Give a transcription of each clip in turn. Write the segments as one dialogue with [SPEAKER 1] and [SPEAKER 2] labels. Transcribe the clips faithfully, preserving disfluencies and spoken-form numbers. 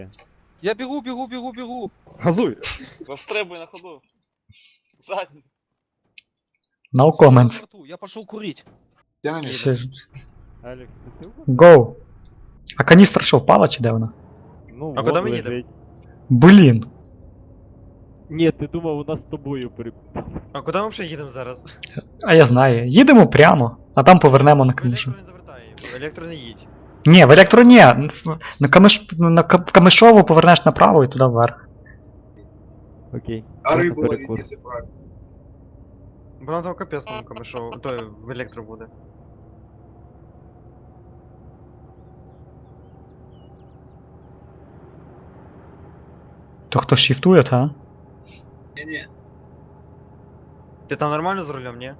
[SPEAKER 1] Я бегу, бегу, бегу, бегу.
[SPEAKER 2] Газуй!
[SPEAKER 3] Застрибуй на ходу. Задній.
[SPEAKER 4] No
[SPEAKER 1] Всё, я на
[SPEAKER 4] comments.
[SPEAKER 1] борту, я пошел курить.
[SPEAKER 5] Я на месте.
[SPEAKER 4] Ще ж-
[SPEAKER 2] Алекс, це ти?
[SPEAKER 4] Go. А каністра що, впала чи де вона?
[SPEAKER 2] Ну,
[SPEAKER 6] А
[SPEAKER 2] вон
[SPEAKER 6] куди ми
[SPEAKER 2] лежить.
[SPEAKER 6] їдемо?
[SPEAKER 4] Блін.
[SPEAKER 2] Ні, ти думав, у нас з тобою при...
[SPEAKER 6] А куди ми взагалі їдемо зараз?
[SPEAKER 4] А я знаю. Їдемо прямо, а там повернемо на
[SPEAKER 6] В
[SPEAKER 4] канішу.
[SPEAKER 6] електро не завертай, в електро не їдь.
[SPEAKER 4] Ні, в електро ні. На, камиш... на Ка- Камишову повернеш направо і туди вверх.
[SPEAKER 2] Окей.
[SPEAKER 5] А
[SPEAKER 2] можна
[SPEAKER 5] рыбу ловить,
[SPEAKER 2] перекур.
[SPEAKER 5] если правильно.
[SPEAKER 6] Бо нам там капець там камешов, то в електро буде.
[SPEAKER 4] То хто шифтує, та?
[SPEAKER 5] Не-не.
[SPEAKER 6] Ти там нормально з рулем, ні?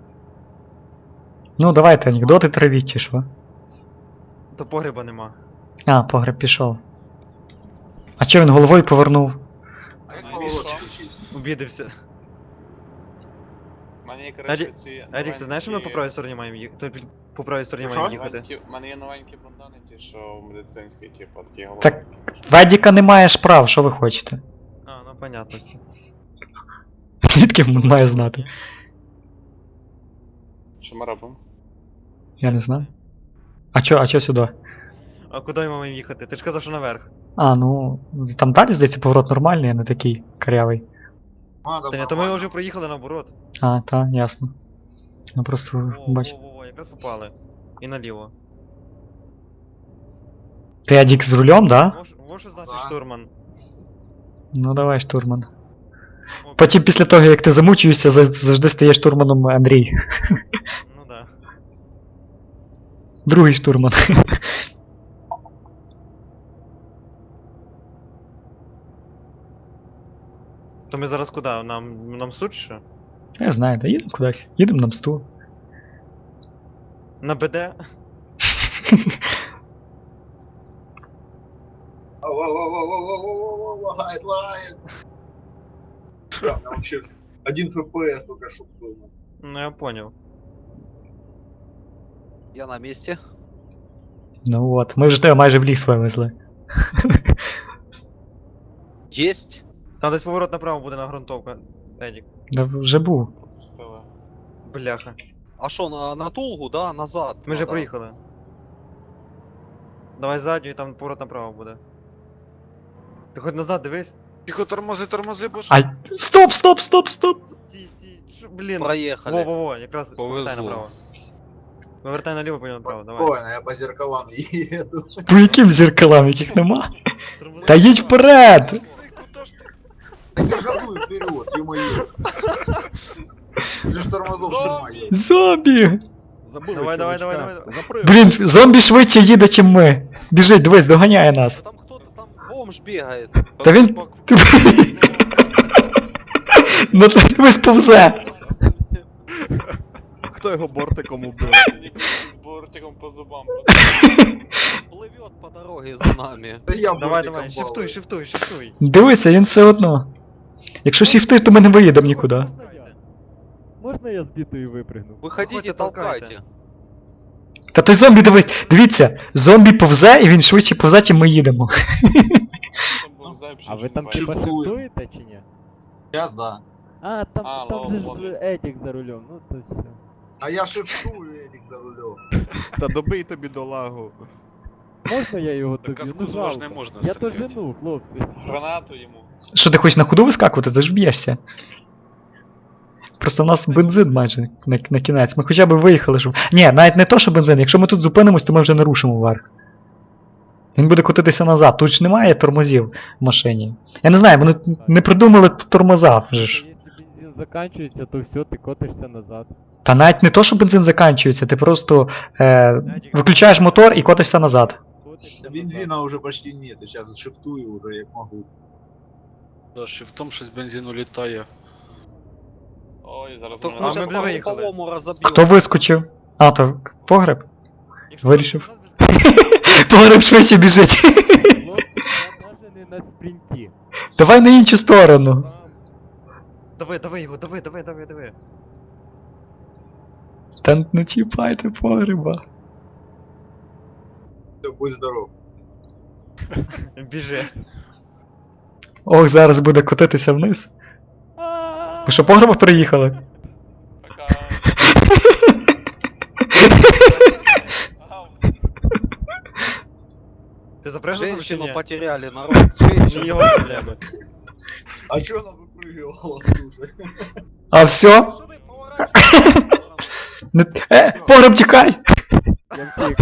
[SPEAKER 4] Ну давайте анекдоти травіть чи що?
[SPEAKER 6] То погреба нема.
[SPEAKER 4] А, погреб пішов. А чо він головою повернув?
[SPEAKER 5] А как
[SPEAKER 3] На
[SPEAKER 5] поворот
[SPEAKER 3] месте.
[SPEAKER 5] включить?
[SPEAKER 6] Обідився.
[SPEAKER 3] У мене є, коротше, ці
[SPEAKER 6] Едік, ти знаєш, що ми по правій стороні маємо їхати? То по правій стороні
[SPEAKER 5] Що?
[SPEAKER 6] маємо їхати.
[SPEAKER 3] новенькі- У мене є новенькі бандани, ті, що медицинські, типу, такі голови.
[SPEAKER 4] Так. Ведіка не маєш прав, що ви хочете?
[SPEAKER 6] А, ну понятно все.
[SPEAKER 4] Звідки він має знати?
[SPEAKER 3] Що ми робимо?
[SPEAKER 4] Я не знаю. А чо, а чо сюди?
[SPEAKER 6] А куди ми маємо їхати? Ти ж казав, що наверх.
[SPEAKER 4] А, ну. Там далі, здається, поворот нормальний, а не такий карявий.
[SPEAKER 5] Надо
[SPEAKER 6] Та ні, то ми вже проїхали наоборот.
[SPEAKER 4] А, та, ясно. Ну просто
[SPEAKER 6] Во,
[SPEAKER 4] бач.
[SPEAKER 6] во, во, во, якраз попали. І наліво.
[SPEAKER 4] Ти Адік з рулем, да?
[SPEAKER 6] Во, що- во що значить
[SPEAKER 5] Да.
[SPEAKER 6] штурман?
[SPEAKER 4] Ну давай, штурман.
[SPEAKER 6] О,
[SPEAKER 4] Потім після того, як ти замучуєшся, зав- завжди стає штурманом Андрій.
[SPEAKER 6] Ну да.
[SPEAKER 4] Другий штурман.
[SPEAKER 6] То ми зараз куди? Нам, нам суд що?
[SPEAKER 4] Я знаю, да їдемо кудись. Їдемо на мсту.
[SPEAKER 6] На БД?
[SPEAKER 5] Во-во-во-во-во-во-во-во, лагает, лагает. Да, там вообще один фпс только что был.
[SPEAKER 6] Ну я понял.
[SPEAKER 1] Я на месте.
[SPEAKER 4] Ну от, ми вже тебе майже в ліс вивезли.
[SPEAKER 1] Есть.
[SPEAKER 6] Там десь поворот направо буде на грунтовка. Едік.
[SPEAKER 4] Да вже був.
[SPEAKER 3] Пропустили.
[SPEAKER 6] Бляха.
[SPEAKER 1] А что, на, на Тулгу, да, назад?
[SPEAKER 6] Ми вже
[SPEAKER 1] надо.
[SPEAKER 6] проїхали. Давай задню і там поворот направо буде. Ти хоч назад дивись.
[SPEAKER 7] Тихо, тормози, тормози, бо
[SPEAKER 4] А. Стоп, стоп, стоп, стоп!
[SPEAKER 6] Стій, стій, що, блін.
[SPEAKER 1] Проехали.
[SPEAKER 6] Во-во-во, якраз повертай
[SPEAKER 7] Повезло.
[SPEAKER 6] направо. Повертай наліво, потім направо, давай.
[SPEAKER 5] Спокойно, я по зеркалам еду.
[SPEAKER 4] По яким зеркалам, яких нема?
[SPEAKER 6] Тормози
[SPEAKER 4] Та їдь
[SPEAKER 6] направо.
[SPEAKER 4] вперед!
[SPEAKER 7] куди ж ти?
[SPEAKER 5] Так я ж газую вперед, ё-моё. Ты же тормозов тормозил.
[SPEAKER 4] Зомбі!
[SPEAKER 2] Забули,
[SPEAKER 6] Давай, давай,
[SPEAKER 2] чувачка.
[SPEAKER 6] давай, давай.
[SPEAKER 2] Запрыг.
[SPEAKER 4] Блін, зомбі швидше їде, чим ми. Біжить, дивись, доганяє нас.
[SPEAKER 1] Там кто-то, там бомж бегает.
[SPEAKER 4] Та він. Ти- Ну ти дивись повзе.
[SPEAKER 2] Хто його бортиком убив?
[SPEAKER 3] З бортиком по зубам.
[SPEAKER 1] Плывет по дороге за нами.
[SPEAKER 5] Да я
[SPEAKER 6] Давай,
[SPEAKER 5] бортиком
[SPEAKER 6] давай, шифтуй,
[SPEAKER 5] балую.
[SPEAKER 6] шифтуй, шифтуй.
[SPEAKER 4] Дивися, він все одно. Якщо шіфтиш, то ми не виїдемо нікуди.
[SPEAKER 2] Можна я? Можна я з бітою випригну?
[SPEAKER 1] Выходите,
[SPEAKER 6] Выходите,
[SPEAKER 1] толкайте.
[SPEAKER 6] толкайте.
[SPEAKER 4] Та той зомбі, дивись, дивіться, зомбі повзе і він швидше повзе, чим ми їдемо.
[SPEAKER 2] А ви там
[SPEAKER 3] типа
[SPEAKER 2] типа
[SPEAKER 5] Шифтую.
[SPEAKER 2] шифтуєте чи ні?
[SPEAKER 5] Сейчас да.
[SPEAKER 2] А, там,
[SPEAKER 3] А,
[SPEAKER 2] там
[SPEAKER 3] лол,
[SPEAKER 2] же ж
[SPEAKER 3] ловлю.
[SPEAKER 2] Етік за рулем, ну то все.
[SPEAKER 5] А я шифтую, Эдик, за рулем.
[SPEAKER 8] Та добий тобі долагу.
[SPEAKER 2] Можна я його
[SPEAKER 7] Так
[SPEAKER 2] тобі?
[SPEAKER 7] казку
[SPEAKER 2] Ну
[SPEAKER 7] з вож не
[SPEAKER 2] жалко.
[SPEAKER 7] можна
[SPEAKER 2] Я то
[SPEAKER 7] стріляти.
[SPEAKER 2] жену, хлопці.
[SPEAKER 3] Гранату йому.
[SPEAKER 4] Що ти хочеш на ходу вискакувати, ти ж б'єшся. Просто в нас бензин майже на, на кінець. Ми хоча б виїхали, щоб. Ні, навіть не то, що бензин. Якщо ми тут зупинимось, то ми вже не рушимо вверх. Він буде котитися назад. Тут ж немає тормозів в машині. Я не знаю, вони не придумали тормоза вже ж.
[SPEAKER 2] Якщо бензин закінчується, то все, ти котишся назад.
[SPEAKER 4] Та навіть не то, що бензин закінчується, ти просто е, виключаєш мотор і котишся назад.
[SPEAKER 2] Котишся
[SPEAKER 5] Да
[SPEAKER 2] назад.
[SPEAKER 5] бензина уже почти нет, сейчас шифтую уже, як могу.
[SPEAKER 7] Да, ще в тому щось бензину літає.
[SPEAKER 3] Ой, зараз
[SPEAKER 1] Только
[SPEAKER 3] мене-
[SPEAKER 6] А,
[SPEAKER 1] мы сейчас
[SPEAKER 6] мы, бля,
[SPEAKER 1] по
[SPEAKER 6] выехали.
[SPEAKER 1] полому разобьем.
[SPEAKER 4] Хто вискочив? А, то погреб?
[SPEAKER 6] Якщо
[SPEAKER 4] Вирішив.
[SPEAKER 6] назад без-
[SPEAKER 4] Погреб швидше біжить.
[SPEAKER 2] Хлопці, я навіть не на спринті.
[SPEAKER 4] Давай на іншу сторону.
[SPEAKER 6] Давай, давай його, давай, давай, давай, давай.
[SPEAKER 4] Та не чіпайте погреба.
[SPEAKER 5] Все, будь здоров.
[SPEAKER 6] Біжи.
[SPEAKER 4] Ох, зараз буде котитися вниз. Ви що, погреба переїхали?
[SPEAKER 3] Пока.
[SPEAKER 6] Ти запрягнув чи
[SPEAKER 1] Женщину
[SPEAKER 6] ні?
[SPEAKER 1] потеряли, народ. Женщину.
[SPEAKER 6] Його проблеми.
[SPEAKER 5] А чё она выпрыгивала, слушай?
[SPEAKER 4] А все?
[SPEAKER 1] Что ты поворачиваешься в сторону?
[SPEAKER 4] Не... Е, погреб тікай!
[SPEAKER 2] Я втік.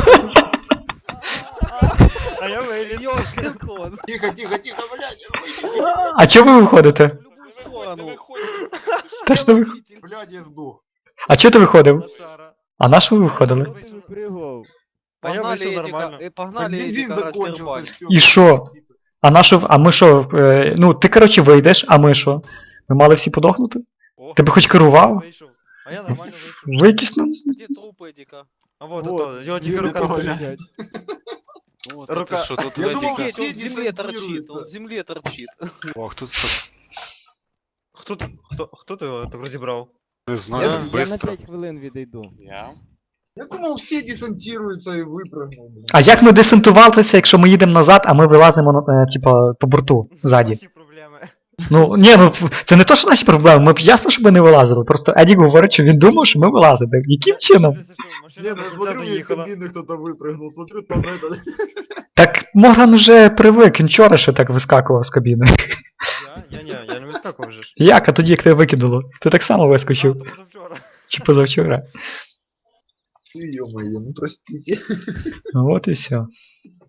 [SPEAKER 6] А я виліз.
[SPEAKER 1] Ёшкин
[SPEAKER 5] Тихо, тихо, тихо, блядь,
[SPEAKER 4] А чого ви виходите?
[SPEAKER 1] В любую сторону.
[SPEAKER 4] Та ж не ви...
[SPEAKER 5] блядь, я сдох.
[SPEAKER 4] А чого ти виходив?
[SPEAKER 6] Лошара.
[SPEAKER 4] А на що ви виходили?
[SPEAKER 2] Що ти випригував?
[SPEAKER 6] А я
[SPEAKER 1] Погнали
[SPEAKER 6] вийшов
[SPEAKER 1] Эдика,
[SPEAKER 6] нормально.
[SPEAKER 1] э,
[SPEAKER 5] Так
[SPEAKER 1] погнали
[SPEAKER 5] бензин
[SPEAKER 1] Эдика
[SPEAKER 5] закончился,
[SPEAKER 1] раздербать.
[SPEAKER 5] все.
[SPEAKER 4] И шо? А на що... А ми що? Е, ну, ти, коротше, вийдеш, а ми що? Ми мали всі подохнути?
[SPEAKER 7] О,
[SPEAKER 4] Тебе хоч керував?
[SPEAKER 6] Вийшов. А я нормально вийшов.
[SPEAKER 4] Ви якісь, ну...
[SPEAKER 1] Где труп Эдика?
[SPEAKER 6] А вот,
[SPEAKER 2] Вот,
[SPEAKER 6] ото, його тільки
[SPEAKER 2] люди
[SPEAKER 6] рука
[SPEAKER 5] того
[SPEAKER 6] торчить.
[SPEAKER 2] лежать.
[SPEAKER 7] вот
[SPEAKER 6] Рука-
[SPEAKER 7] это что тут
[SPEAKER 5] Я думал,
[SPEAKER 7] Эдика?
[SPEAKER 1] Офигеть, он в
[SPEAKER 5] Все
[SPEAKER 1] земле торчит,
[SPEAKER 5] десантируются.
[SPEAKER 1] он в земле торчит.
[SPEAKER 7] Ох, тут стоп.
[SPEAKER 6] Хто, т- хто, хто ти його так розібрав?
[SPEAKER 7] Не
[SPEAKER 2] Я,
[SPEAKER 7] знаю,
[SPEAKER 2] я на
[SPEAKER 7] быстро.
[SPEAKER 2] п'ять хвилин відійду.
[SPEAKER 3] Я?
[SPEAKER 5] Я думал, все десантируются и выпрыгнул, блядь.
[SPEAKER 4] А як ми десантувалися, якщо ми їдемо назад, а ми вилазимо, на, е, типа, по борту, ззаді?
[SPEAKER 6] Наші проблеми.
[SPEAKER 4] Ну, ні, ну, це не то, що наші проблеми, ми б ясно, що ми не вилазили, просто Едік говорить, що він думав, що ми вилазимо. Яким чином?
[SPEAKER 5] Не, ну я смотрю, мне из кабины кто-то выпрыгнул, смотрю, там это...
[SPEAKER 4] Так Морган уже привик, він вчора ще так вискакував з кабіни.
[SPEAKER 6] Я? Я ні, я не вискакував вже ж.
[SPEAKER 4] Як, а тоді, як тебе викинуло? Ти так само вискочив.
[SPEAKER 6] А, то позавчора.
[SPEAKER 4] Чи позавчора?
[SPEAKER 5] Ё-моё, ну простите.
[SPEAKER 4] Ну, от і все.